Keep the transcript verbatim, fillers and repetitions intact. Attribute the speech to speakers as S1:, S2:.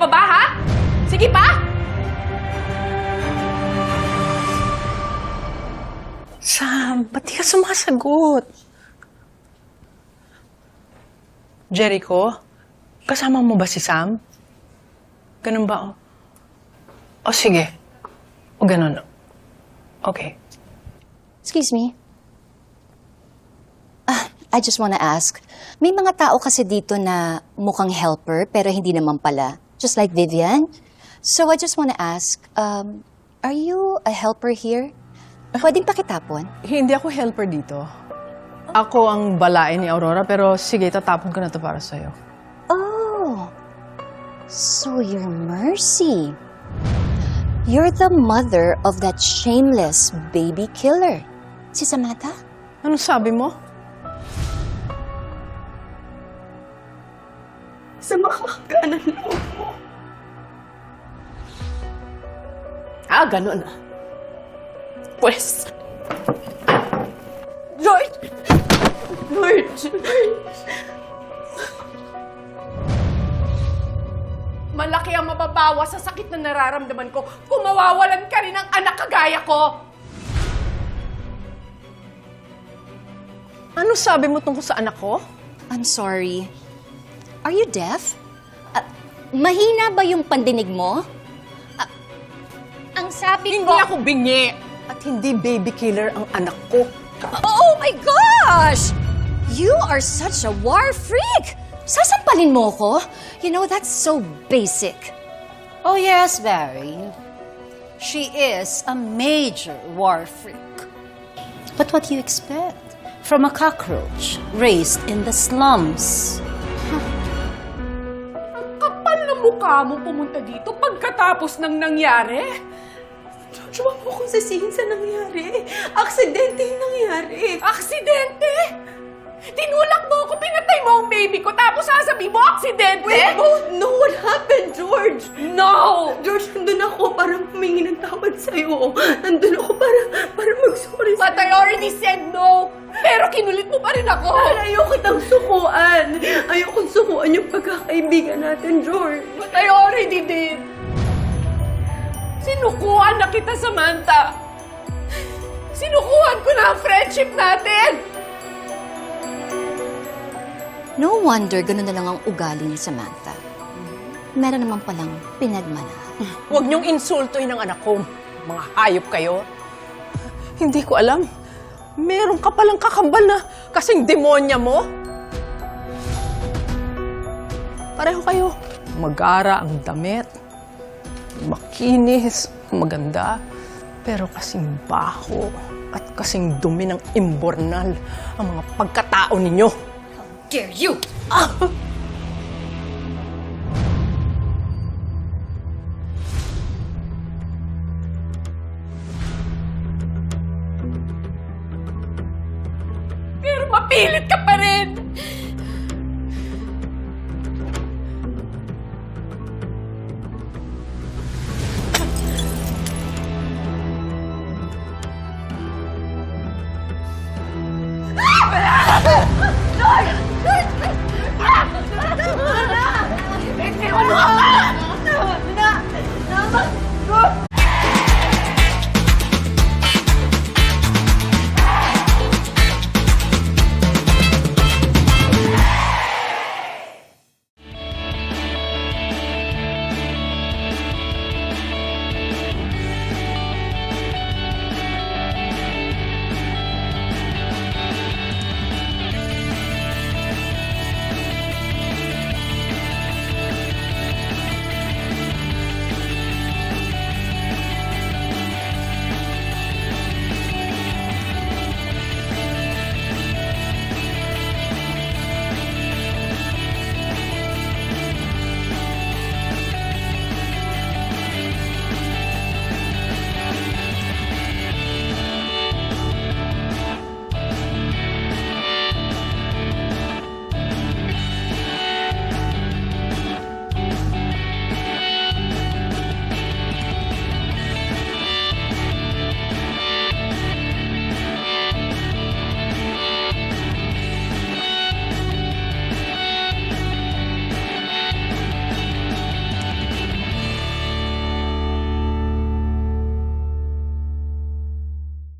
S1: pa ba, ha? Sige pa!
S2: Sam, ba't di ka sumasagot? Jericho, kasama mo ba si Sam? Ganun ba? O, o sige. O ganun. Okay.
S3: Excuse me. Ah, I just wanna ask, may mga tao kasi dito na mukhang helper pero hindi naman pala. Just like Vivian. So I just wanna ask, um, are you a helper here? Pwedeng pakitapon?
S2: Hindi ako helper dito. Ako ang balain ni Aurora, pero sige, tatapon ko na to para sa'yo.
S3: Oh, so you're Mercy. You're the mother of that shameless baby killer. Si Samantha?
S2: Anong sabi mo?
S1: Sa makakaganan loob mo. Ah, ganun ah. Pwes. George! George! Malaki ang mababawa sa sakit na nararamdaman ko kung mawawalan ka rin ng anak kagaya ko.
S2: Ano sabi mo tungkol sa anak ko?
S3: I'm sorry. Are you deaf? Ah, mahina ba yung pandinig mo? Ah, ang sabi
S2: Hindi
S3: ko...
S2: ako bingi. At hindi baby killer ang anak ko.
S3: Oh my gosh! You are such a war freak! Sasampalin mo ko? You know, that's so basic.
S4: Oh yes, Barry. She is a major war freak. But what do you expect from a cockroach raised in the slums?
S1: Ang kapal na mukha mo pumunta dito pagkatapos ng nangyari. George, huwag mo akong sisihin sa nangyari. Aksidente yung nangyari. Aksidente? Tinulak mo ako, pinatay mo ang baby ko, tapos sasabihin mo, aksidente?
S5: We both know what happened, George!
S1: No!
S5: George, nandun ako para humingi ng tawad sa'yo. Nandun ako para, para mag-sorry
S1: But I already said no! Pero kinulit mo pa rin ako!
S5: Dahil ayoko kitang sukuan. Ayokong sukuan yung pagkakaibigan natin, George.
S1: But I already did! Sinukuhan na kita, Samantha! Sinukuhan ko na ang friendship natin!
S3: No wonder ganun na lang ang ugali ni Samantha. Meron naman palang pinagmana.
S2: Huwag niyong insultuin ang anak ko. Mga hayop kayo. Hindi ko alam. Meron ka palang kakambal na kasing demonya mo. Pareho kayo. Magara ang damit. Makinis. Maganda. Pero kasing baho at kasing dumi ng imbornal ang mga pagkatao ninyo.
S3: Dare you!
S2: Ah!
S1: Pero mapilit ka pa rin!